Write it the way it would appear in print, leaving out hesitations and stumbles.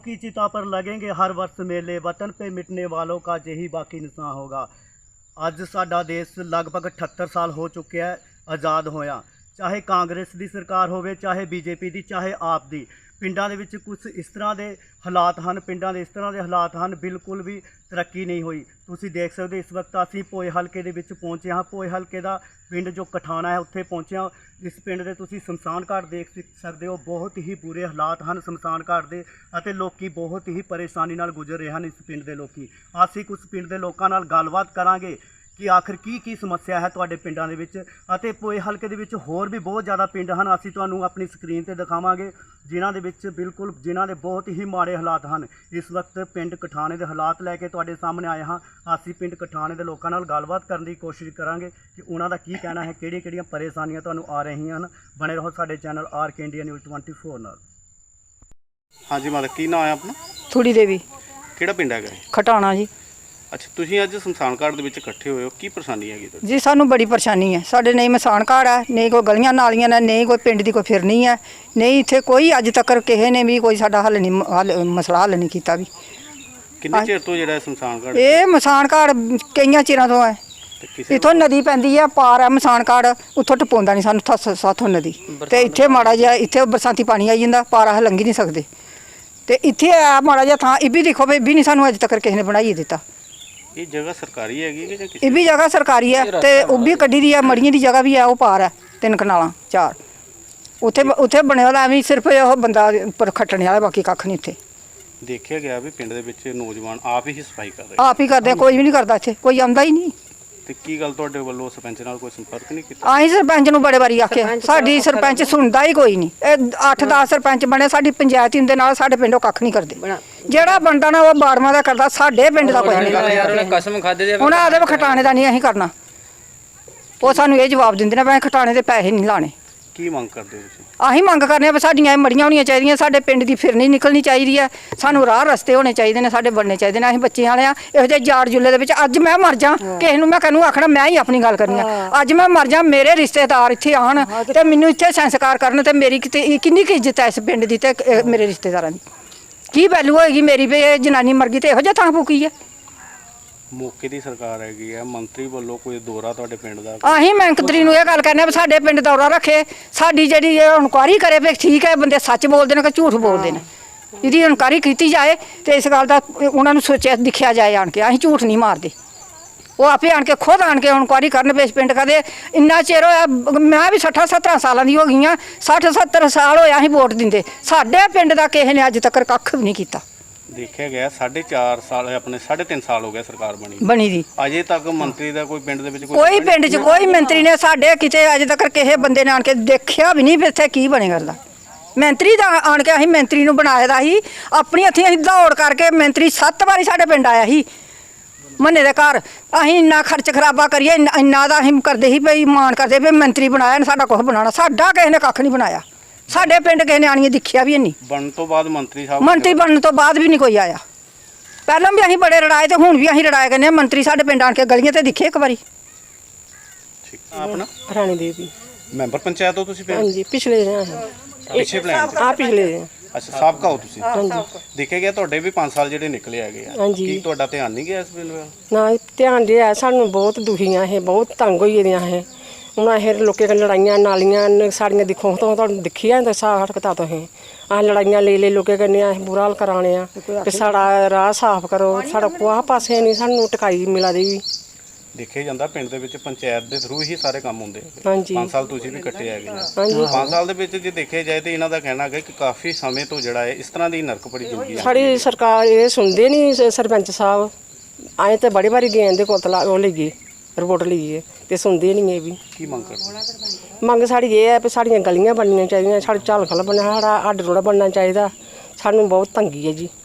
की चिता पर लगेंगे हर वर्ष मेले, वतन पे मिटने वालों का यही बाकी निशान होगा। ਅੱਜ ਸਾਡਾ ਦੇਸ਼ ਲਗਭਗ 78 ਸਾਲ ਹੋ ਚੁੱਕਿਆ ਹੈ ਆਜ਼ਾਦ ਹੋਇਆ। ਚਾਹੇ ਕਾਂਗਰਸ ਦੀ ਸਰਕਾਰ ਹੋਵੇ, ਚਾਹੇ ਬੀਜੇਪੀ ਦੀ, ਚਾਹੇ ਆਪ ਦੀ। ਪਿੰਡਾਂ ਦੇ ਵਿੱਚ ਕੁਝ ਇਸ ਤਰ੍ਹਾਂ ਦੇ ਹਾਲਾਤ ਹਨ, ਪਿੰਡਾਂ ਦੇ ਇਸ ਤਰ੍ਹਾਂ ਦੇ ਹਾਲਾਤ ਹਨ, ਬਿਲਕੁਲ ਵੀ ਤਰੱਕੀ ਨਹੀਂ ਹੋਈ। ਤੁਸੀਂ ਦੇਖ ਸਕਦੇ ਇਸ ਵਕਤ ਅਸੀਂ ਭੋਏ ਹਲਕੇ ਦੇ ਵਿੱਚ ਪਹੁੰਚੇ ਹਾਂ। ਭੋਏ ਹਲਕੇ ਦਾ ਪਿੰਡ ਜੋ ਕਠਾਣਾ ਹੈ ਉੱਥੇ ਪਹੁੰਚੇ ਹਾਂ। ਇਸ ਪਿੰਡ ਦੇ ਤੁਸੀਂ ਸ਼ਮਸ਼ਾਨ ਘਾਟ ਦੇਖ ਸਕਦੇ ਹੋ। ਬਹੁਤ ਹੀ ਬੁਰੇ ਹਾਲਾਤ ਹਨ ਸ਼ਮਸ਼ਾਨ ਘਾਟ ਦੇ ਅਤੇ ਲੋਕੀ ਬਹੁਤ ਹੀ ਪਰੇਸ਼ਾਨੀ ਨਾਲ ਗੁਜ਼ਰ ਰਹੇ ਹਨ ਇਸ ਪਿੰਡ ਦੇ ਲੋਕੀ। ਅਸੀਂ ਕੁਝ ਪਿੰਡ ਦੇ ਲੋਕਾਂ ਨਾਲ ਗੱਲਬਾਤ ਕਰਾਂਗੇ ਕਿ ਆਖਰ ਕੀ ਸਮੱਸਿਆ ਹੈ ਤੁਹਾਡੇ ਪਿੰਡਾਂ ਦੇ ਵਿੱਚ। ਅਤੇ ਭੋਏ ਹਲਕੇ ਦੇ ਵਿੱਚ ਹੋਰ ਵੀ ਬਹੁਤ ਜ਼ਿਆਦਾ ਪਿੰਡ ਹਨ, ਅਸੀਂ ਤੁਹਾਨੂੰ ਆਪਣੀ ਸਕਰੀਨ ਤੇ ਦਿਖਾਵਾਂਗੇ ਜਿਨ੍ਹਾਂ ਦੇ ਵਿੱਚ ਬਿਲਕੁਲ ਜਿਨ੍ਹਾਂ ਦੇ ਬਹੁਤ ਹੀ ਮਾੜੇ ਹਾਲਾਤ ਹਨ। ਇਸ ਵਕਤ ਪਿੰਡ ਕਠਾਣੇ ਦੇ ਹਾਲਾਤ ਲੈ ਕੇ ਤੁਹਾਡੇ ਸਾਹਮਣੇ ਆਏ ਹਾਂ। ਅਸੀਂ ਪਿੰਡ ਕਠਾਣੇ ਦੇ ਲੋਕਾਂ ਨਾਲ ਗੱਲਬਾਤ ਕਰਨ ਦੀ ਕੋਸ਼ਿਸ਼ ਕਰਾਂਗੇ ਕਿ ਉਹਨਾਂ ਦਾ ਕੀ ਕਹਿਣਾ ਹੈ, ਕਿਹੜੀਆਂ ਪਰੇਸ਼ਾਨੀਆਂ ਤੁਹਾਨੂੰ ਆ ਰਹੀਆਂ ਹਨ। ਬਣੇ ਰਹੋ ਸਾਡੇ ਚੈਨਲ RK ਇੰਡੀਆ ਨਿਊਜ਼ 24 ਨਾਲ। ਹਾਂਜੀ ਮਾਤਾ, ਕੀ ਨਾਮ ਹੈ ਆਪਣਾ? ਥੋੜੀ ਦੇਵੀ। ਕਿਹੜਾ ਪਿੰਡ ਹੈਗਾ? ਖਟਾਣਾ ਜੀ। ਅੱਛਾ, ਤੁਸੀਂ ਅੱਜ ਸ਼ਮਸ਼ਾਨ ਘਾਟ ਦੇ ਵਿੱਚ ਇਕੱਠੇ ਹੋਏ ਹੋ, ਕੀ ਪਰੇਸ਼ਾਨੀ ਹੈਗੀ ਤੁਹਾਡੀ? ਜੀ ਸਾਨੂੰ ਬੜੀ ਪਰੇਸ਼ਾਨੀ ਹੈ। ਸਾਡੇ ਨਹੀਂ ਮਸਾਨ ਘਾਟ ਹੈ, ਨਹੀਂ ਕੋਈ ਗਲੀਆਂ ਨਾਲੀਆਂ ਨੇ, ਨਹੀਂ ਕੋਈ ਪਿੰਡ ਦੀ ਕੋਈ ਫਿਰਨੀ ਹੈ, ਨਹੀਂ ਇੱਥੇ ਕੋਈ ਅੱਜ ਤੱਕ ਕਿਸੇ ਨੇ ਵੀ ਕੋਈ ਸਾਡਾ ਮਸਲਾ ਹੱਲ ਨਹੀਂ ਕੀਤਾ ਵੀ। ਕਿੰਨੇ ਚਿਰ ਤੋਂ ਜਿਹੜਾ ਸ਼ਮਸ਼ਾਨ ਘਾਟ? ਇਹ ਮਸਾਨ ਘਾਟ ਕਈਆਂ ਚਿਰਾਂ ਤੋਂ ਹੈ। ਇੱਥੋਂ ਨਦੀ ਪੈਂਦੀ ਹੈ, ਪਾਰ ਹੈ ਮਸਾਨ ਘਾਟ, ਉੱਥੋਂ ਟਪਾਉਂਦਾ ਨਹੀਂ ਸਾਨੂੰ ਸਾਥੋਂ ਨਦੀ। ਤੇ ਇੱਥੇ ਮਾੜਾ ਜਿਹਾ ਇੱਥੇ ਬਰਸਾਤੀ ਪਾਣੀ ਆਈ ਜਾਂਦਾ, ਪਾਰ ਅਸੀਂ ਲੰਘੀ ਨਹੀਂ ਸਕਦੇ। ਤੇ ਇੱਥੇ ਆ ਮਾੜਾ ਜਿਹਾ ਥਾਂ ਇਹ ਵੀ ਦੇਖੋ ਵੀ ਵੀ ਨਹੀਂ ਸਾਨੂੰ ਅੱਜ ਤੱਕ ਕਿਸੇ ਨੇ ਬਣਾਈ ਦਿੱਤਾ। ਇਹ ਜਗ੍ਹਾ ਸਰਕਾਰੀ ਹੈਗੀ ਕਿ ਜਾਂ ਕਿਸੇ? ਇਹ ਵੀ ਜਗ੍ਹਾ ਸਰਕਾਰੀ ਹੈ ਤੇ ਉਹ ਵੀ ਕੱਢੀ ਦੀ ਹੈ। ਮੜੀਆਂ ਦੀ ਜਗ੍ਹਾ ਵੀ ਹੈ, ਉਹ ਪਾਰ ਹੈ 3 ਕਨਾਲਾਂ 4। ਉੱਥੇ ਬਣਿਆ ਵਾਲਾ ਐਵੇਂ ਸਿਰਫ ਉਹ ਬੰਦਾ ਉੱਪਰ ਖੱਟਣੇ ਵਾਲਾ, ਬਾਕੀ ਕੱਖ ਨਹੀਂ ਉੱਥੇ। ਦੇਖਿਆ ਗਿਆ ਵੀ ਪਿੰਡ ਦੇ ਵਿੱਚ ਨੌਜਵਾਨ ਆਪ ਹੀ ਸਫਾਈ ਕਰ ਰਹੇ, ਆਪ ਹੀ ਕਰਦੇ, ਕੋਈ ਵੀ ਨਹੀਂ ਕਰਦਾ ਇੱਥੇ, ਕੋਈ ਆਉਂਦਾ ਹੀ ਨਹੀਂ। ਤੇ ਕੀ ਗੱਲ ਤੁਹਾਡੇ ਵੱਲੋਂ ਸਰਪੰਚ ਨਾਲ ਕੋਈ ਸੰਪਰਕ ਨਹੀਂ ਕੀਤਾ? ਅਸੀਂ ਸਰਪੰਚ ਨੂੰ ਬੜੇ ਵਾਰੀ ਆਖਿਆ, ਸਾਡੀ ਸਰਪੰਚ ਸੁਣਦਾ ਹੀ ਕੋਈ ਨਹੀਂ। ਇਹ 8-10 ਸਰਪੰਚ ਬਣੇ, ਸਾਡੀ ਪੰਚਾਇਤ ਦੇ ਨਾਲ ਸਾਡੇ ਪਿੰਡੋਂ ਕੱਖ ਨਹੀਂ ਕਰਦੇ। ਜਿਹੜਾ ਬਣਦਾ ਨਾ ਉਹ ਬਾੜਮਾਂ ਦਾ ਕਰਦਾ, ਸਾਡੇ ਪਿੰਡ ਦਾ ਕੋਈ ਨਹੀਂ ਕਰਦਾ। ਕਸਮ ਖਾਦੇ ਦੇ ਉਹਨਾਂ ਆਦੇ ਖਟਾਣੇ ਦਾ ਨਹੀਂ ਅਸੀਂ ਕਰਨਾ। ਉਹ ਸਾਨੂੰ ਇਹ ਜਵਾਬ ਦਿੰਦੇ ਨੇ ਵੀ ਖਟਾਣੇ ਦੇ ਪੈਸੇ ਨਹੀਂ ਲਾਣੇ। ਕੀ ਮੰਗ ਕਰਦੇ ਹੋ ਤੁਸੀਂ? ਅਸੀਂ ਮੰਗ ਕਰਨੇ ਆ ਵੀ ਸਾਡੀਆਂ ਮੜੀਆਂ ਹੋਣੀਆਂ ਚਾਹੀਦੀਆਂ, ਸਾਡੇ ਪਿੰਡ ਦੀ ਫਿਰਨੀ ਨਿਕਲਣੀ ਚਾਹੀਦੀ ਹੈ, ਸਾਨੂੰ ਰਾਹ ਰਸਤੇ ਹੋਣੇ ਚਾਹੀਦੇ ਨੇ, ਸਾਡੇ ਬਣਨੇ ਚਾਹੀਦੇ ਨੇ। ਅਸੀਂ ਬੱਚੇ ਵਾਲੇ ਆ, ਇਹੋ ਜਿਹੇ ਜਾੜ ਜੁੱਲੇ ਦੇ ਵਿੱਚ ਅੱਜ ਮੈਂ ਮਰ ਜਾ, ਕਿਸੇ ਨੂੰ ਮੈਂ ਕਹਿੰਨੂੰ ਆਖਣਾ ਮੈਂ ਹੀ ਆਪਣੀ ਗੱਲ ਕਰਨੀ ਆ। ਅੱਜ ਮੈਂ ਮਰ ਜਾ, ਮੇਰੇ ਰਿਸ਼ਤੇਦਾਰ ਇੱਥੇ ਆਉਣ ਤੇ ਮੈਨੂੰ ਇੱਥੇ ਸੰਸਕਾਰ ਕਰਨ, ਤੇ ਮੇਰੀ ਕਿੰਨੀ ਕੁ ਇੱਜ਼ਤ ਹੈ ਇਸ ਪਿੰਡ ਦੀ ਤੇ ਮੇਰੇ ਰਿਸ਼ਤੇਦਾਰਾਂ ਦੀ ਕੀ ਵੈਲਿਊ ਹੋਏਗੀ ਮੇਰੀ ਵੀ ਇਹ ਜਨਾਨੀ ਮਰ ਗਈ ਤੇ ਇਹੋ ਜਿਹਾ ਥਾਂ ਫੂਕੀ ਹੈ। ਮੌਕੇ ਦੀ ਸਰਕਾਰ ਹੈਗੀ ਹੈ, ਮੰਤਰੀ ਵੱਲੋਂ ਕੋਈ ਦੌਰਾ ਤੁਹਾਡੇ ਪਿੰਡ ਦਾ? ਅਸੀਂ ਮੰਤਰੀ ਨੂੰ ਇਹ ਗੱਲ ਕਹਿੰਦੇ ਵੀ ਸਾਡੇ ਪਿੰਡ ਦੌਰਾ ਰੱਖੇ, ਸਾਡੀ ਜਿਹੜੀ ਇਨਕੁਆਇਰੀ ਕਰੇ ਵੀ ਠੀਕ ਹੈ ਬੰਦੇ ਸੱਚ ਬੋਲਦੇ ਨੇ ਕਿ ਝੂਠ ਬੋਲਦੇ ਨੇ, ਇਹਦੀ ਇਨਕੁਆਇਰੀ ਕੀਤੀ ਜਾਏ ਤੇ ਇਸ ਗੱਲ ਦਾ ਉਹਨਾਂ ਨੂੰ ਸੋਚਿਆ ਦਿਖਿਆ ਜਾਏ ਆਣ ਕੇ। ਅਸੀਂ ਝੂਠ ਨਹੀਂ ਮਾਰਦੇ, ਉਹ ਆਪੇ ਆਣ ਕੇ ਖੁਦ ਆਣ ਕੇ ਇਨਕੁਆਇਰੀ ਕਰਨ ਵੀ ਇਸ ਪਿੰਡ ਕਦੇ ਇੰਨਾ ਚਿਰ ਹੋਇਆ। ਮੈਂ ਵੀ 60-70 ਸਾਲਾਂ ਦੀ ਹੋ ਗਈ ਹਾਂ, 60-70 ਸਾਲ ਹੋਇਆ ਅਸੀਂ ਵੋਟ ਦਿੰਦੇ, ਸਾਡੇ ਪਿੰਡ ਦਾ ਕਿਸੇ ਨੇ ਅੱਜ ਤੱਕ ਕੱਖ ਵੀ ਨਹੀਂ ਕੀਤਾ। ਦੇਖਿਆ ਗਿਆ 4.5 ਸਾਲ ਆਪਣੇ 3.5 ਸਾਲ ਹੋ ਗਏ ਸਰਕਾਰ ਬਣੀ ਦੀ, ਅਜੇ ਤੱਕ ਮੰਤਰੀ ਦਾ ਕੋਈ ਪਿੰਡ ਦੇ ਵਿੱਚ ਕੋਈ ਪਿੰਡ 'ਚ ਕੋਈ ਮੰਤਰੀ ਨੇ ਸਾਡੇ ਕਿਤੇ ਅਜੇ ਤੱਕ ਕਿਸੇ ਬੰਦੇ ਨੇ ਆਣ ਕੇ ਦੇਖਿਆ ਵੀ ਨਹੀਂ ਵੀ ਇੱਥੇ ਕੀ ਬਣੇ ਕਰਦਾ। ਮੰਤਰੀ ਦਾ ਆਣ ਕੇ ਅਸੀਂ ਮੰਤਰੀ ਨੂੰ ਬਣਾਇਆ ਦਾ ਸੀ, ਆਪਣੀ ਹੱਥੀਂ ਅਸੀਂ ਦੌੜ ਕਰਕੇ ਮੰਤਰੀ 7 ਵਾਰੀ ਸਾਡੇ ਪਿੰਡ ਆਇਆ ਸੀ ਮੰਨੇ ਦੇ ਘਰ। ਅਸੀਂ ਇੰਨਾ ਖਰਚ ਖਰਾਬਾ ਕਰੀਏ, ਇੰਨਾ ਦਾ ਅਸੀਂ ਕਰਦੇ ਸੀ ਵੀ ਮਾਣ ਕਰਦੇ ਵੀ ਮੰਤਰੀ ਬਣਾਇਆ, ਸਾਡਾ ਕੁਛ ਬਣਾਉਣਾ। ਸਾਡਾ ਕਿਸੇ ਨੇ ਕੱਖ ਨਹੀਂ ਬਣਾਇਆ, ਸਾਡੇ ਪਿੰਡ ਕਿਸੇ ਨੇ ਆਣੀਆਂ ਦੇਖਿਆ ਵੀ ਨਹੀਂ। ਬਣਨ ਤੋਂ ਬਾਅਦ ਮੰਤਰੀ ਬਣਨ ਤੋਂ ਬਾਅਦ ਵੀ ਨਹੀਂ ਕੋਈ ਆਇਆ। ਪਹਿਲਾਂ ਵੀ ਅਸੀਂ ਬੜੇ ਲੜਾਏ ਤੇ ਹੁਣ ਵੀ ਅਸੀਂ ਲੜਾਏ ਕਰਨੇ। ਮੰਤਰੀ ਸਾਡੇ ਪਿੰਡ ਆਣ ਕੇ ਗਲੀਆਂ ਤੇ ਦਿਖੇ ਇੱਕ ਵਾਰੀ। ਠੀਕ, ਆਪਣਾ ਰਾਣੀ ਦੇਵੀ ਮੈਂਬਰ ਪੰਚਾਇਤ ਹੋ ਤੁਸੀਂ? ਹਾਂਜੀ, ਪਿਛਲੇ ਪਿੱਛੇ ਪਲਾਨ ਪਿਛਲੇ ਅੱਛਾ, ਸਾਬਕਾ ਹੋ ਤੁਸੀਂ? ਦੇਖਿਆ ਗਿਆ ਤੁਹਾਡੇ ਵੀ 5 ਸਾਲ ਜਿਹੜੇ ਨਿਕਲੇ ਹੈਗੇ ਆ, ਕੀ ਤੁਹਾਡਾ ਧਿਆਨ ਨਹੀਂ ਗਿਆ ਇਸ ਬਿੱਲ ਵੱਲ? ਨਾ ਧਿਆਨ ਰਿਹਾ, ਸਾਨੂੰ ਬਹੁਤ ਦੁਖੀਆਂ ਇਹ, ਬਹੁਤ ਤੰਗ ਹੋਈ ਦੀਆਂ ਇਹ। ਹੁਣ ਇਹ ਲੋਕਾਂ ਨਾਲ ਲੜਾਈਆਂ ਨਾਲੀਆਂ ਸਾਡੀਆਂ ਦੇਖੋ ਤਾਂ ਤੁਹਾਨੂੰ ਦਿਖੀ ਜਾਂਦਾ ਸਾਹ ਹਟਕਤਾ ਤੋਂ ਇਹ ਆਹ ਲੜਾਈਆਂ ਲੈ ਲੋਕਾਂ ਕਰਨੇ ਆ, ਬੁਰਾ ਹਾਲ ਕਰਾਣੇ ਆ ਕਿ ਸਾਡਾ ਰਾਹ ਸਾਫ਼ ਕਰੋ, ਸਾਡਾ ਕੋਹ ਪਾਸੇ ਨਹੀਂ ਸਾਨੂੰ ਟਿਕਾਈ ਮਿਲਾ ਦੀ ਵੀ। ਦੇਖਿਆ ਜਾਂਦਾ ਪਿੰਡ ਦੇ ਵਿੱਚ ਪੰਚਾਇਤ ਦੇ ਥਰੂ ਹੀ ਸਾਰੇ ਕੰਮ ਹੁੰਦੇ। 5 ਸਾਲ ਤੁਸੀਂ ਵੀ ਇਕੱਠੇ ਹੈਗੇ ਆ। 5 ਸਾਲ ਦੇ ਵਿੱਚ ਜੇ ਦੇਖਿਆ ਜਾਏ ਤੇ ਇਹਨਾਂ ਦਾ ਕਹਿਣਾ ਹੈ ਕਿ ਕਾਫੀ ਸਮੇਂ ਤੋਂ ਜਿਹੜਾ ਹੈ ਇਸ ਤਰ੍ਹਾਂ ਦੀ ਨਰਕ ਭਰੀ ਜ਼ਿੰਦਗੀ ਹੈ। ਸਾਡੀ ਸਰਕਾਰ ਇਹ ਸੁਣਦੇ ਨਹੀਂ, ਸਰਪੰਚ ਸਾਹਿਬ ਆਏ ਤੇ ਬੜੀ ਵਾਰੀ ਗਏ ਦੇ ਕੋਲ ਉਹ ਲਈਏ ਰਿਪੋਰਟ ਲਈਏ ਤੇ ਸੁਣਦੇ ਨਹੀਂ ਇਹ ਵੀ। ਕੀ ਮੰਗ ਕਰਦੇ? ਮੰਗ ਸਾਡੀ ਇਹ ਹੈ ਵੀ ਸਾਡੀਆਂ ਗਲੀਆਂ ਬਣਨੀਆਂ ਚਾਹੀਦੀਆਂ, ਸਾਡੀ ਝਾਲਖਲ ਬਣਨਾ, ਸਾਡਾ ਅੱਡ ਰੋੜਾ ਬਣਨਾ ਚਾਹੀਦਾ। ਸਾਨੂੰ ਬਹੁਤ ਤੰਗੀ ਹੈ ਜੀ।